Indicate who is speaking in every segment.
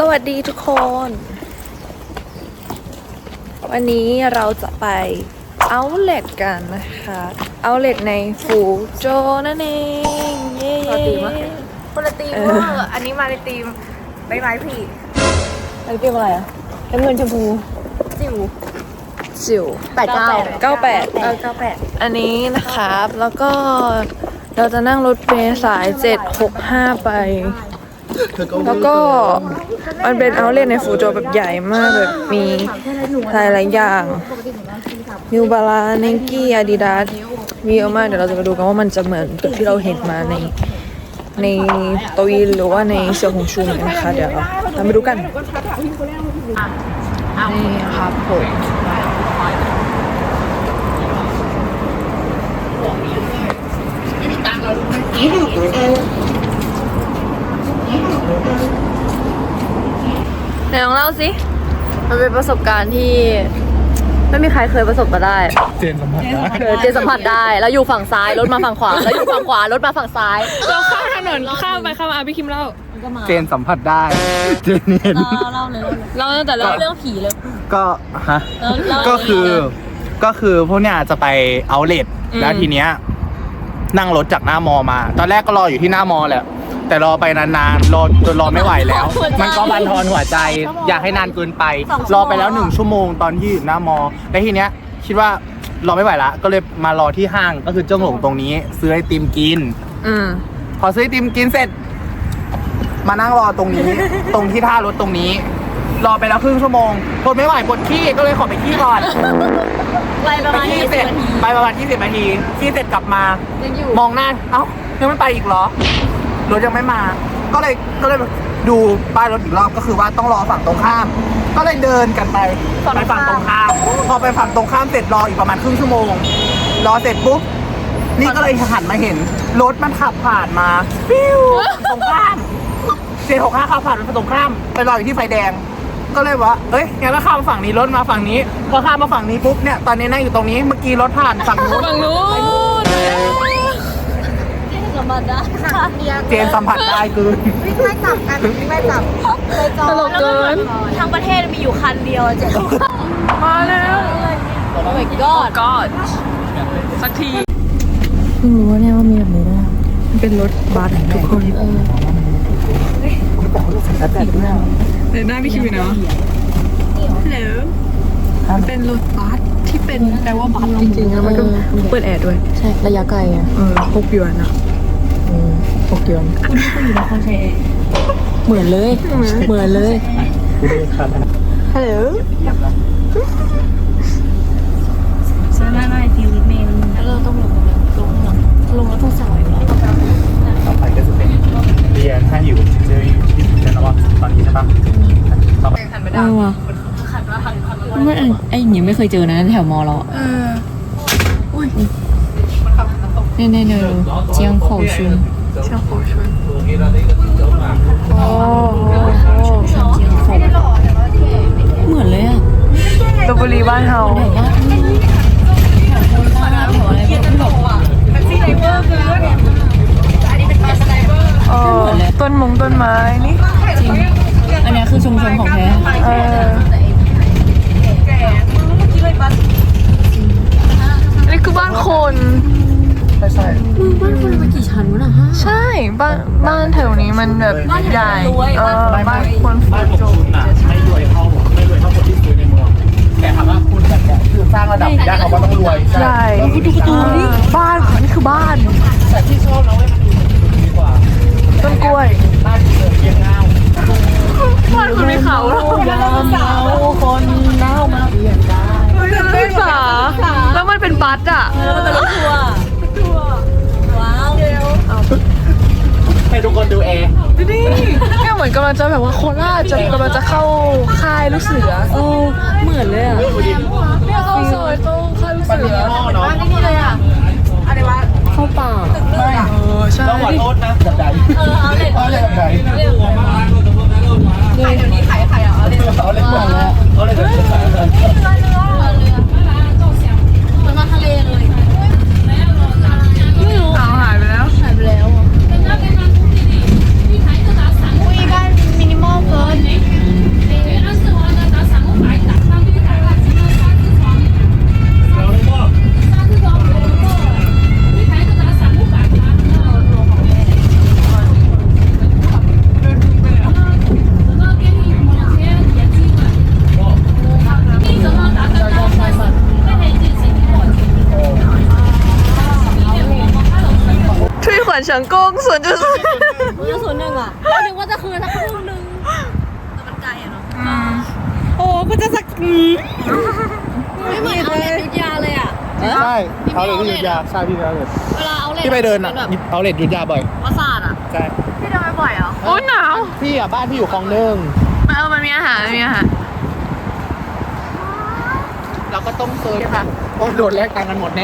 Speaker 1: วัสดีทุกคน วันนี้เราจะไปเอาท์เล็ตกันนะคะเอาท์เล็ตในฟูโจนั่นเองเย้
Speaker 2: คนละทีมเวอร์อันนี้มาในทีมใบไม้ผี
Speaker 1: อันนี้เป็นอะไรอ่ะน้ำเงินชมพูจิ๋ว98อันนี้นะครับแล้วก็เราจะนั่งรถเมล์สาย765ไปแล้วก็มันเป็นเอาท์เล็ตในฟูโจแบบใหญ่มากแบบมีหลายอย่างนิวบาลาเนกี้อาดิดาสมีเยอะมากเดี๋ยวเราจะไปดูกันว่ามันจะเหมือนกับที่เราเห็นมาในโตยินหรือว่าในเสี่ยวหงชูไหมนะคะเดี๋ยวเราไปดูกันนี่ครับผมไหนลองเล่าสิมันเป็นประสบการณ์ที่ไม่มีใครเคยประสบมาได้
Speaker 3: เจนสัมผัสได้
Speaker 1: เจนสัมผัสได้แล้วอยู่ฝั่งซ้ายรถมาฝั่งขวาแล้วอยู่ฝั่งขวารถมาฝั่งซ้ายเราข้ามถนนข้ามไปข้ามมาพี่คิมเล่า
Speaker 3: เจนสัมผัสได้เจนเห็น
Speaker 1: เล่าเลยเล่าตั้งแต่เรื่องผีเลย
Speaker 3: ก็ฮะก็คือพวกเนี้ยจะไปเอาท์เล็ตแล้วทีเนี้ยนั่งรถจากหน้ามอมาตอนแรกก็รออยู่ที่หน้ามอแหละแต่รอไปนานๆรอจนรอไม่ไหวแล้วมันก็บั่นทอนหัวใจอยากให้นานเกินไปรอไปแล้ว1 ชั่วโมงตอนที่อยู่หน้ามอแล้วทีเนี้ยคิดว่ารอไม่ไหวละก็เลยมารอที่ห้างก็คือเจิ้งหลงตรงนี้ซื้อไอติมกินพอซื้อไอติมกินเสร็จมานั่งรอตรงนี้ ตรงที่ท่ารถตรงนี้รอไปแล้วครึ่งชั่วโมงทนไม่ไหวปวดขี้ก็เลยขอไปขี้ก่อน
Speaker 1: ไปประมาณ20 นาที
Speaker 3: ไปประมาณ20 นาทีขี้เสร็จกลับมามองหน้าเอ้ายังไม่ไปอีกเหรอรถยังไม่มาก็เลยดูป้ายรถอีกรอบก็คือว่าต้องรอฝั่งตรงข้ามก็เลยเดินกันไปฝั่งตรงข้ามพอไปฝั่งตรงข้ามเสร็จรออีกประมาณครึ่งชั่วโมงรอเสร็จปุ๊บนี่ก็เลยหันมาเห็นรถมันขับผ่านมาปิ้วตรงข้าม765ขับผ่านไปตรงข้ามไปรออยู่ที่ไฟแดงก็เลยว่าเอ้ยงั้นก็ข้ามฝั่งนี้รถมาฝั่งนี้พอข้ามมาฝั่งนี้ปุ๊บเนี่ยตอนนี้นั่งอยู่ตรงนี้เมื่อกี้รถผ่านฝั่งนู้นเจนสัมผัสได้คือ
Speaker 2: ไม่จับกันไม่จับ
Speaker 1: ตลกเกิน
Speaker 2: ทั้งประเทศมีอยู่คันเดียวเจ๊
Speaker 1: มาแล้ว
Speaker 2: โอ้ my
Speaker 1: god สักทีเพิ่งรู้ว่าเนี่ยว่ามีแบบนี้ด้วยมันเป็นรถบัสทุกคนเดี๋ยวหน้าพี่คิวเนาะฮัลโหลมันเป็นรถบัสที่เป็นแปลว่าบัสจริงๆแล้วมันก็เปิดแอร์ด้วย
Speaker 2: ใช่ระยะไกลอ่ะ
Speaker 1: 6 หยวนอ่ะ6 หยวน
Speaker 2: คุณนี่ก็อยู่นครชัย
Speaker 1: เหมือนเลยฮัลโหล
Speaker 2: ไม่ฟิลิปเมนแล้วเราต้องลงแล้วต้องสายเหรอ
Speaker 3: ต่อไปก็จะเป็นเรียนถ้าอยู่เจออยู่ที่เจนว่าตอนนี้ใช่ปะต่อไป
Speaker 1: หันไม่ได้ว่ะไม่ไอ้หญิงไม่เคยเจอนะแถวมอเราอุ้ยเนี่ยเจียงโขชุนอ๋อเหมือนเลยอ่ะลพบุรีบ้านเฮาต้นไม้นี่
Speaker 2: จริงอันนี้คือชุมชนของแท้
Speaker 1: อันนี้คือบ้านคน
Speaker 3: ใช่
Speaker 2: บ้านคนมันกี่ชั้นวะน่ะ
Speaker 1: ใช่บ้านแถวนี้มันแบบใหญ่บ้านคน
Speaker 3: บ้านของคุณน่ะไม่รวยเท่าคนที่ซื้อในเมืองแต่ถามว่าคุณแบบคือสร้างระดับย่านเขาก็ต้องรวย
Speaker 1: ใช่บ้านนี่คือบ้าน
Speaker 3: แต่ที่ชอบนะเว้ยมันดีกว่า
Speaker 1: ต้นกล้วย
Speaker 3: บ้านเรียงเงา
Speaker 1: บ้านคุณมีเขา
Speaker 3: คนเน่ามาเปลี่ยนได้
Speaker 1: ไม่สาแล้วมันเป็นบัสอ่ะ
Speaker 2: มันเป็นรถทัวร์ว้าว
Speaker 3: ให้ทุกคนดูแอร์
Speaker 1: นี่เนี่ยเหมือนกำลังจะแบบว่าโคราชกำลังจะเข้าค่ายลูกเสือ
Speaker 2: เหมือนเลยอ่ะ
Speaker 1: เนี่ยเข้าซอยเข้าค่ายลูกเสือ
Speaker 2: บ้านนี่เลยอ่ะอะไรวะ
Speaker 1: เข้าป่าใช่
Speaker 3: ต้องขอโทษนะแบบใด
Speaker 2: เอาเลย
Speaker 3: แบบใด
Speaker 2: ขายเดี๋ยวนี้ขายอ่ะเอาเลย
Speaker 3: เห
Speaker 2: มือนมาทะเลเลย
Speaker 1: ไม่รู้หายไปแล้ว
Speaker 2: อุ้ยบ้านมินิมอลเกิน
Speaker 1: เฉิงกง0.0
Speaker 2: มันจะ01อ่ะก็นึกว่าจะคืนสักครึ่งนึงแต่มันไกลอ่ะเนาะโอ้ก็จะสักไม่เหมือนเอาเล็ตยุทธยาเลยอ่ะ
Speaker 3: ใช่เอาเลทที่ยุทธยาใช่พี่เอาเลท
Speaker 2: เวลาเอาเล็ต
Speaker 3: ที่ไปเดินอ่ะเอาเลทยุทธยาบ่อย
Speaker 2: ประสาทอ่ะ
Speaker 3: ใช่
Speaker 1: พี่เดินไปบ่อยเหรอโอ้หนาว
Speaker 3: พี่อ่ะบ้านพี่อยู่คลองหนึ่ง
Speaker 1: มันมีอาหาร
Speaker 3: เราก็ต้องเซิร์ชค่ะโอ้โดนแลกตังค์กันหมดแน่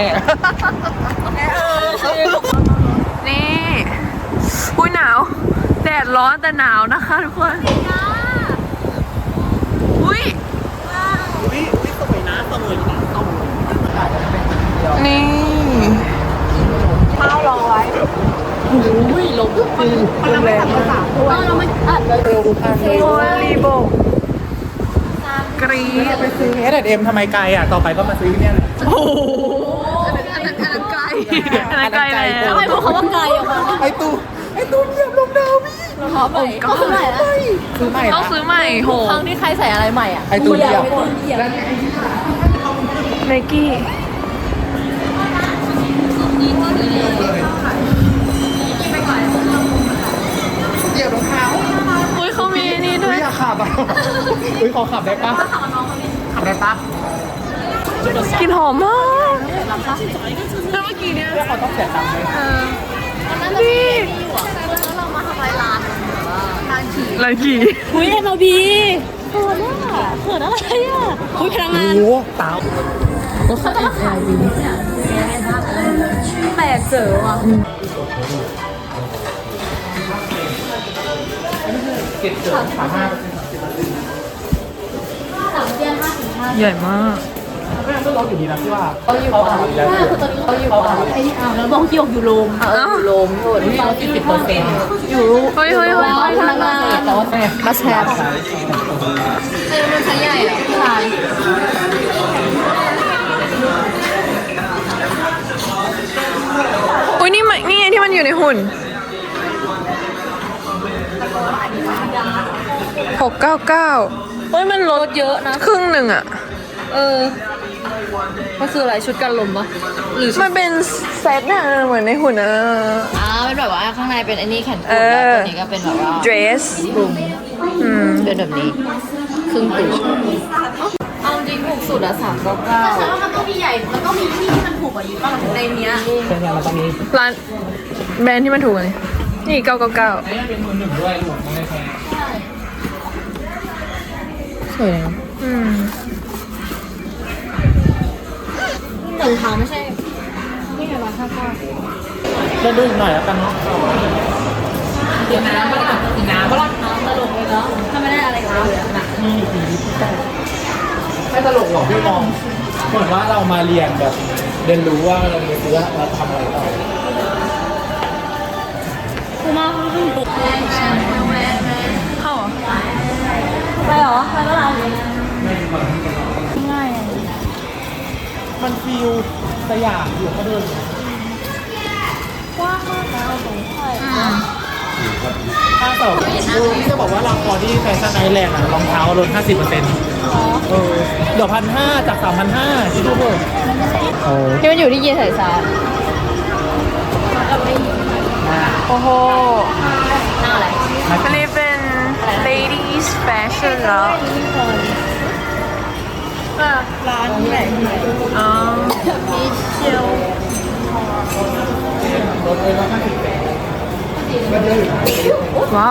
Speaker 1: นี่อุ้ยหนาวแดดร้อนแต่หนาวนะคะทุกคนอุ้ย
Speaker 3: สวยนะ
Speaker 1: นี่ข้าวรอไว้ลมแรงมาก
Speaker 2: เราไม่อัดเลย
Speaker 3: เร็วดูข้างนี้
Speaker 1: โอ้ยรีโบกรี๊ด
Speaker 3: ไปซื้อ H&M ทำไมไกลอ่ะต่อไปก็มาซื้อเนี่ยแหละ
Speaker 1: โอ้โหอันนั้นไกลแล้ว
Speaker 2: ทำไมพวกเขาว่าไกลออกมา
Speaker 3: ไอตูเหยียบลงดาวพี่
Speaker 2: ขอใหม่ก็คือใหม่แล้ว
Speaker 3: ซื้อใหม่
Speaker 1: ต้องซื้อใหม่โห
Speaker 2: ครั้งที่ใครใส่อะไรใหม่อ่ะ
Speaker 3: ไอตูเหยียบ
Speaker 1: ไนกี้
Speaker 3: เหยียบรองเท้า
Speaker 1: อุ้ยเขามีนี่ด้วย
Speaker 3: ไม่อยากขับอ่ะอุ้ยขอขับได้ปะขับได้ปะ
Speaker 1: กลิ่นหอมมากแล้วเมื่อกี้เนี่ย
Speaker 3: เขาต้องเสียตังค์ไหม
Speaker 1: นี่
Speaker 2: เรามาทำลายร้านร้านขี่
Speaker 1: ไรกี่
Speaker 2: อุ้ยMLBเขินอ่ะเขินอะไรอ่ะอุ้ยพนักงาน
Speaker 3: โอ้เต๋าก็ใส่ไข่ดี
Speaker 2: แปลกเจอว่ะ
Speaker 3: เก็บเกิน35%
Speaker 1: ใหญ่มาก
Speaker 3: ก็ยังไม่ลดอยู่ดีนะพี่ว่า
Speaker 2: เขาอยู่ป่าคือตอนนี้เขาอยู่ป่าไอ้นี่อ้าวแล้วบอกที่อยู่โรมอยู่โรมอยู่ที่เรา40%อยู่
Speaker 1: เฮ้ย
Speaker 2: พนักงานแต่ว่ามาแชร์แต่มันใช้ใหญ่อ่ะใช่
Speaker 1: อุ้ยนี่ไงที่มันอยู่ในหุ่น699เฮ้ยมันลด
Speaker 2: เยอะนะ
Speaker 1: ครึ่งหนึ่งอะ
Speaker 2: มันคืออะไรชุดกันลมปะหรือ
Speaker 1: มันเป็นเซตน่ะเหมือนในหุ่นอะ
Speaker 2: เป็นแบบว่าข้างในเป็นอันนี้แขนกุด
Speaker 1: เอ
Speaker 2: แล้ว
Speaker 1: อ
Speaker 2: ตัวนี้ก็เป็นแบบว่า
Speaker 1: dress
Speaker 2: กลุ่ม
Speaker 1: อืม
Speaker 2: เป็นแบบนี้ครึ่งตัวเอาจริงถูกสุดอะ399แต่ฉันว่ามันต้องมีใหญ่มันต้องมีที่ที่มันถูกกว่านี้ป่ะในเนี้ย
Speaker 3: เป็นไงมันต้องมี
Speaker 1: ร้านแบรนด์ที่มันถูกเลยนี่999
Speaker 3: เป็นมือหนึ่งด้วยหลวงไม่แพง
Speaker 2: สวย
Speaker 1: อืม
Speaker 2: แต่รองเท้าไม่ใช่นี่ไง159
Speaker 3: จะดูอีกหน่อยแล้วกันเนาะ
Speaker 2: กินน้ำก็ได้กินน้ำก็ได้ตลกเลยเนาะถ้าไม่ได้อะไรกับเราเลยนะ
Speaker 3: มีปีแต่ไม่ตลกหรอกพี่มองเหมือนว่าเรามาเรียนแบบเรียนรู้ว่าเราจะซื้อเราทำอะไรต่อ
Speaker 2: กูมาขึ้นปุก
Speaker 1: เข้าเหรอ
Speaker 2: ไปเหรอไปเมื่อไหร่ง่าย
Speaker 3: มันฟิลสยามอยู่ก็เดิน
Speaker 2: กว้างมากแล้วตรงใช่
Speaker 3: ถ้าแต่ที่จะบอกว่าเราพอที่แฟชั่นไอแลนด์อะรองเท้าลด 50%เดี๋ยว1,500จาก3,500ที่ทุกคนโอ้
Speaker 2: ที่มันอยู่ที่เยสายซา
Speaker 1: โอ้โห
Speaker 2: หน้าอะไร
Speaker 1: อันนี้เป็น ladies fashion แล้ว
Speaker 2: ร้านไหน
Speaker 1: อ๋อ
Speaker 2: มิเชล
Speaker 3: ลดเลย150%ก็เยอะอยู่นะ
Speaker 1: ว้าว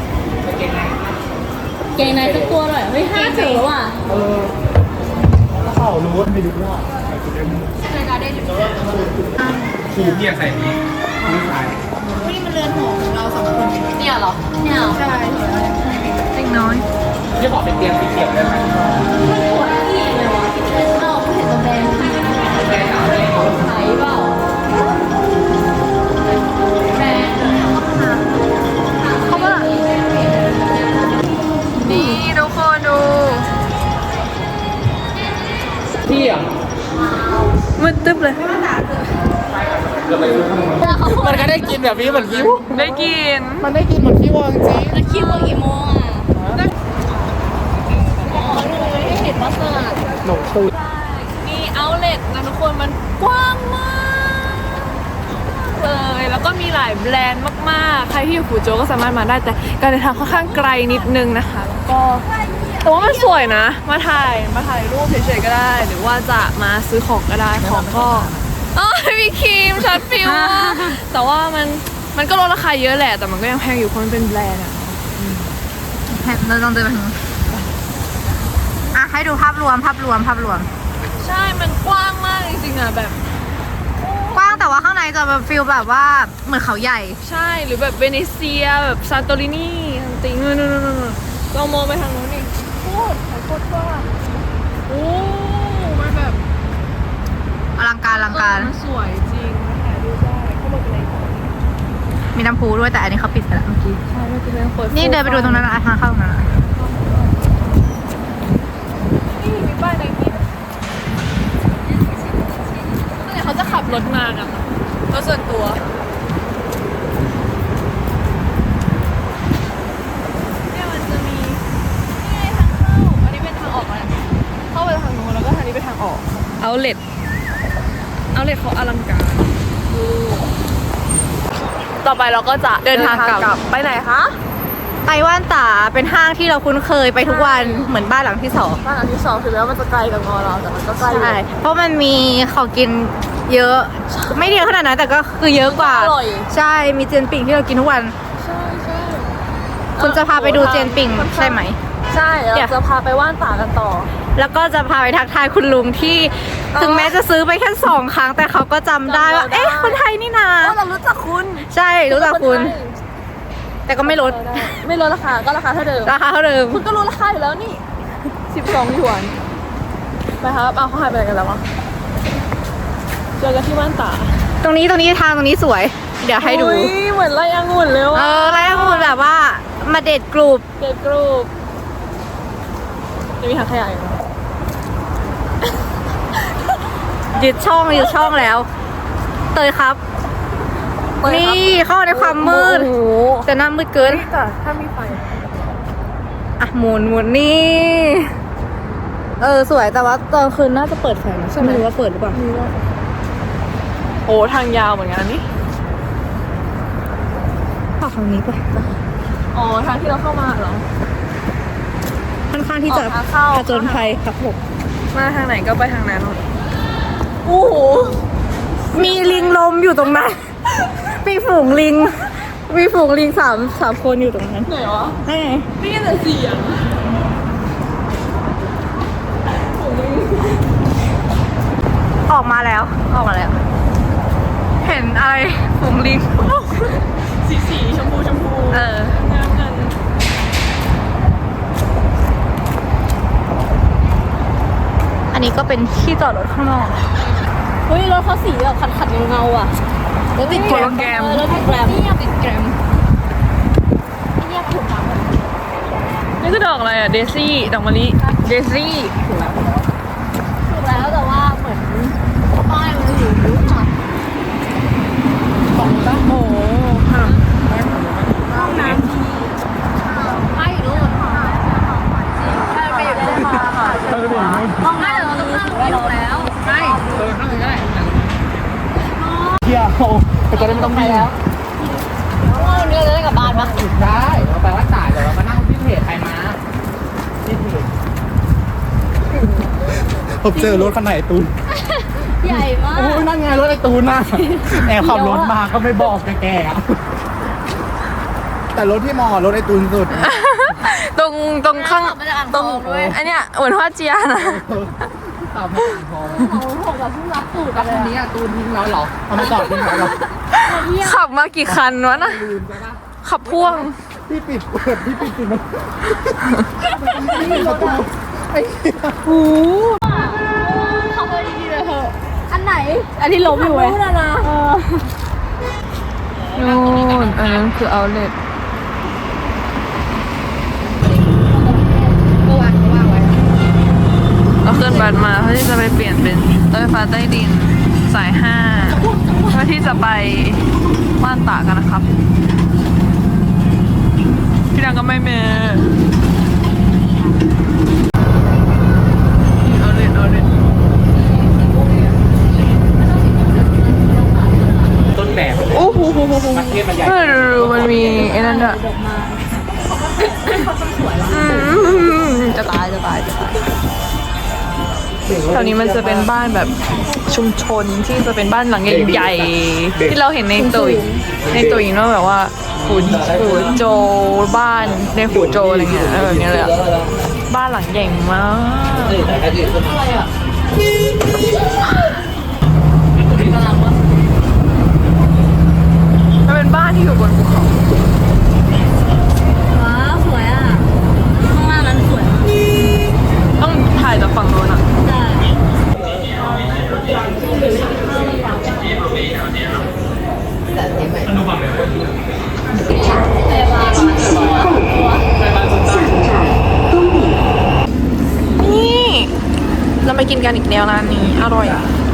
Speaker 2: เกงในทุกตัวเลยเฮ้ย5 ถือว่ะ
Speaker 3: เข้ารู้ว่าไม่รู้ว่า
Speaker 2: ในการได้ถึง
Speaker 3: คูเพียใส่นี้นี่ใส่
Speaker 2: นี่มันเรือนหอของเรา2 คนเนี่ยเหรอเนี่ยใช่
Speaker 1: เล็กน้อย
Speaker 3: ที่บอกเป็นเตียงสีเขียวได้ไหม
Speaker 2: มันปวดที่เลยวะเอ้าเห็นตัวแดงไหนเปล่าแดง
Speaker 1: เข้ามานี่ทุกคนดู
Speaker 3: พี่อ่ะ
Speaker 1: มืดตึ๊บเลย
Speaker 3: มันก็ได้กินแบบนี้เหมือนคิ้ว
Speaker 1: ได้กิน
Speaker 3: มันได้กินเหมือนคิ้วจริง
Speaker 2: แล้วคิวว่ากี่โมงอ่ะอ๋อหนูไม่ได้เห็นว่าสลัด
Speaker 3: หนมตูด
Speaker 1: นี่เอาเล็ตนะทุกคนมันกว้างมาก
Speaker 2: เว
Speaker 1: เลยแล้วก็มีหลายแบรนด์มากๆใครที่อยู่ฟูโจวก็สามารถมาได้แต่การเดินทางค่อนข้างไกลนิดนึงนะคะแล้วก็แต่ว่ามันสวยนะมาถ่ายรูปเฉยๆก็ได้ หรือว่าจะมาซื้อของก็ได้ของก็มีครีมช็อตฟิวแต่ว่ามันก็ลดราคาเยอะแหละแต่มันก็ยังแพงอยู่เพราะมันเป็นแบรนด์อะ
Speaker 2: เราต้องเดินไปทางนู้นอ่ะให้ดูภาพรวม
Speaker 1: ใช่มันกว้างมากจริงๆอะแบบ
Speaker 2: กว้างแต่ว่าข้างในจะแบบฟิลแบบว่าเหมือนเขาใหญ่
Speaker 1: ใช่หรือแบบเวเนเซียแบบซานโตรินีติงนู่นเรามองไปทางนู้นนี่โคตรกว้างโอ้มันแบบ
Speaker 2: อลังการ
Speaker 1: มันสวยจริงมาถ่ายรูปได้เข้ามาเป็นไรต่อ
Speaker 2: มีน้ำพุด้วยแต่อันนี้เขาปิดไปแล้วเมื่อกี้
Speaker 1: ใช่ไม่เป็นไรเปิด
Speaker 2: นี่เดินไปดูตรงนั้นนะทางเข้าตรงนั้นนะ
Speaker 1: นี่มีป้ายในนี้เมื่อไหร่เขาจะขับรถมาอะรถส่วนตัวเนี่ยมันจะมีนี่ไงทางเข้าอันนี้เป็นทางออกอะไรเข้าไปทางนู้นแล้วก็ทางนี้เป็นทางออกเอาเล็ตเขาอลังการต่อไปเราก็จะเดินทางกลับไปไหนคะ
Speaker 2: ไต้หวันตาเป็นห้างที่เราคุ้นเคยไปทุกวันเหมือนบ้านหลังที่สอง
Speaker 1: บ้านอันที่สองถึงแม้ว่ามันจะไกลจากมอเราแต่มันก็ใกล้
Speaker 2: ใช่เพราะมันมีของกินเยอะ ไม่เยอะขนาดนั้นแต่ก็คือเยอะกว่า
Speaker 1: อร่อย
Speaker 2: ใช่มีเจนปิ่งที่เรากินทุกวัน
Speaker 1: ใช่
Speaker 2: คุณจะพาไปดูเจนปิ่งใช่ไหม
Speaker 1: ใช่
Speaker 2: เดี๋ยว
Speaker 1: เราจะพาไปว่านป่ากันต่อ
Speaker 2: แล้วก็จะพาไปทักทายคุณลุงที่ถึงแม้จะซื้อไปแค่2 ครั้งแต่เขาก็จำได้ว่า
Speaker 1: จำเราได้
Speaker 2: เอ๊ะคนไทยนี่นา
Speaker 1: เรารู้จักคุณ
Speaker 2: ใช่รู้จักคุณ แต่ก็ไม่ลด
Speaker 1: ไม่ลดราคาก็ราคาเท่าเดิม
Speaker 2: ราคาเท่าเดิม
Speaker 1: คุณก็รู้ราคาอยู่แล้วนี่12หยวนไปครับเอาเขาหายไปไหนกันแล้ววะเจอกันที่ว่านป่า
Speaker 2: ตรงนี้ทางตรงนี้สวย เดี๋ยวให้ดู
Speaker 1: อุ๊ยเหมือนไร่องุ่นเลยว่ะ
Speaker 2: แล้วคุณแบบว่ามาเดทกลุ่ม
Speaker 1: เด็กกรุ๊ปจะมีทางขยายอยู่นะ
Speaker 2: ยึดช่องแล้ว เตยครับ นี่เข้าในความมืด
Speaker 1: โอ้โห
Speaker 2: แต่หน้ามืดเกิน
Speaker 1: แต่ถ้ามีไฟ
Speaker 2: อ่ะหมุนนี่สวยแต่ว่าตอนคืนน่าจะเปิดไฟนะไม่รู้ว่าเปิดหรือเปล่า
Speaker 1: โอ้ทางยาวเหมือนกันนี่
Speaker 2: เข้าทางนี้ไป
Speaker 1: อ๋อทางที่เราเข้ามาเหรอ
Speaker 2: ค่อนข้างที่จะ
Speaker 1: ออกทางเข้า
Speaker 2: ผจญภัยครับผม
Speaker 1: มาทางไหนก็ไปทางนั้นโอ้โห
Speaker 2: มีลิงลมอยู่ตรงนั้น มีฝูงลิงสามคนอยู่ตรงนั้น
Speaker 1: ไหนวะ
Speaker 2: นี่ไง
Speaker 1: นี่แต่เสียง
Speaker 2: ออกมาแล้ว เห็นอะไรฝูงลิง
Speaker 1: สีชมพูงามกัน
Speaker 2: อันนี้ก็เป็นที่จอดรถข้างนอก
Speaker 4: เฮ้ยรถเขาสีแบบขัดเงาๆอ่ะรถติดแกรม รถติดแกรมติดแกรมไอ้เนี่ยถูกทำ
Speaker 1: นี่คือดอกอะไรอ่ะ เดซี่ ดอกมะลิ เดซี่
Speaker 4: ถูกแล้วแต่ว่าเหมือนป้ายมันอยู่ยุบหน่อย
Speaker 1: โอ้โหค่ะ
Speaker 4: ห้องน้ำที่ป้ายอยู่นู่นใช่ไปอยู่ได้มาค่ะห้องน้ำเราต้องนั่งไม่ลงแล้วใช่
Speaker 3: เที่ยวแต่ก็ได้ไม่ต้องวิ่ง
Speaker 4: วันนี้เราจะได้กลับบ้านปะ
Speaker 3: ได้เราไปวัดจ่ายเดี๋ยวเรามานั่งที่เพจใครมาที่เพจผมเจอรถคันไหนตูน
Speaker 4: ใหญ่มาก
Speaker 3: โอ้ยนั่นไงรถไอ้ตูนน่ะแอบขับรถมาก็ไม่บอกแกๆอะแต่รถที่มอรถไอ้ตูนสุด
Speaker 1: ตรงข้างตรงอันเนี้ยเหมือนว่าเจียนะ
Speaker 3: ตามไม่ทันพอแล้วคันนี้ตูนทิ้งเราเหรอเอามาจอดทิ้งเราเหรอ
Speaker 1: ขับมากี่คันวะน่ะ
Speaker 3: ลืมใช่ปะ
Speaker 1: ขับพ่วง
Speaker 3: พี่ปิดมันไอ้เหี้ย
Speaker 4: เข้าไปดีๆเลยเถอะอันไหน อันที่ล้มอยู่ไหมนู่นนะ
Speaker 1: นู่นอันนั้นคือเอาเลทเราขึ้นบัสมาเพื่อที่จะไปเปลี่ยนเป็นรถไฟฟ้าใต้ดินสาย5เพื่อที่จะไปว่านตากกันนะครับ พี่ดังก็ไม่เมเอาเลท
Speaker 3: ต้นแบบ
Speaker 1: โอ้
Speaker 3: ประเทศมันใหญ่
Speaker 1: มันมีไอ้นั่นด้วยจะตายแถวนี้มันจะเป็นบ้านแบบชุมชนที่จะเป็นบ้านหลังใหญ่ๆที่เราเห็นในตุ๋ยเนาะแบบว่าฝูโจบ้านในฝูโจอะไรเงี้ยแบบนี้เลยอะบ้านหลังใหญ่มากมันเป็นบ้านที่อยู่บนภูเขา
Speaker 2: ว้าวสวยอ่ะข้างล่างนั้นสวยมาก
Speaker 1: ต้องถ่ายจากฝั่งโน้นอะ
Speaker 2: ใช่
Speaker 1: นี่เราไปกินกันอีกแล้วร้านนี้อร่อย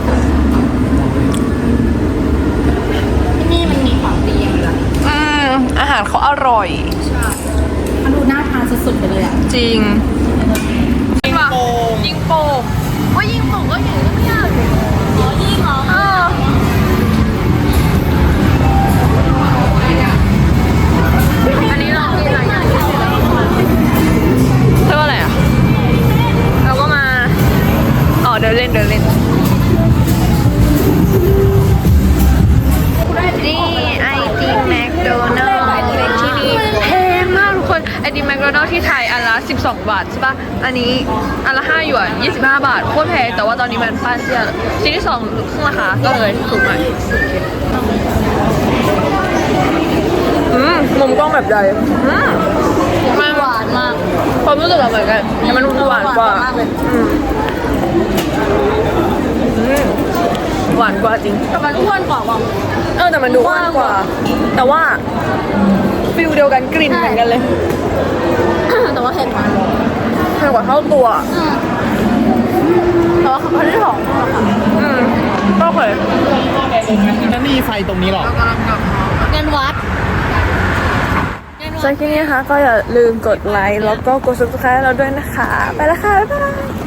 Speaker 2: ที่นี่มันมีของดีอย่างเดียว
Speaker 1: อาหารเขาอร่อย
Speaker 2: มันดูน่าทานสุดๆไปเลยอ่ะ
Speaker 1: จริงยิงโป่งว่ายิงโป่งก็อย่างนี้ไม่ยาก
Speaker 2: อ๋อยิ่งเหรอ
Speaker 1: อันนี้เรากินอะไรอย่างเรียกว่าอะไรอ่ะเราก็มาเดินเล่นนี่ไอติมแมคโดนัลด์ที่นี่แพงมากทุกคนไอติมแมคโดนัลด์ที่ไทยอันละ12 บาทใช่ปะอันนี้อันละ5 หยวน25 บาทโคตรแพงแต่ว่าตอนนี้มันปั้นเสียชิ้นที่2ครึ่งราคาก็เลยถูกหน่อยมุมกล้องแบบใดมันหวานมากความรู้สึกเหมือนกันแต่มันหวานกว่าหวานกว่าจริง
Speaker 2: แต่มันอ้วนกว่าว่ะ
Speaker 1: แต่มันดูอ้วนกว่า แต่ว่าฟิลเดียวกันกลิ่นเหมือนกันเลย
Speaker 2: แต่ว่าเผ็ดมาก
Speaker 1: แพงกว่าเท่าตัว
Speaker 2: แต่ว่าเขาไม่ได้หอมมากค่ะ
Speaker 1: ก็เคย
Speaker 3: นั่นนี่ไฟตรงนี้หรอ
Speaker 2: งานวัด
Speaker 1: สำหรับคลิปนี้นะคะก็อย่าลืมกดไลค์แล้วก็กด subscribe เราด้วยนะคะ ไปแล้วค่ะ บ๊ายบาย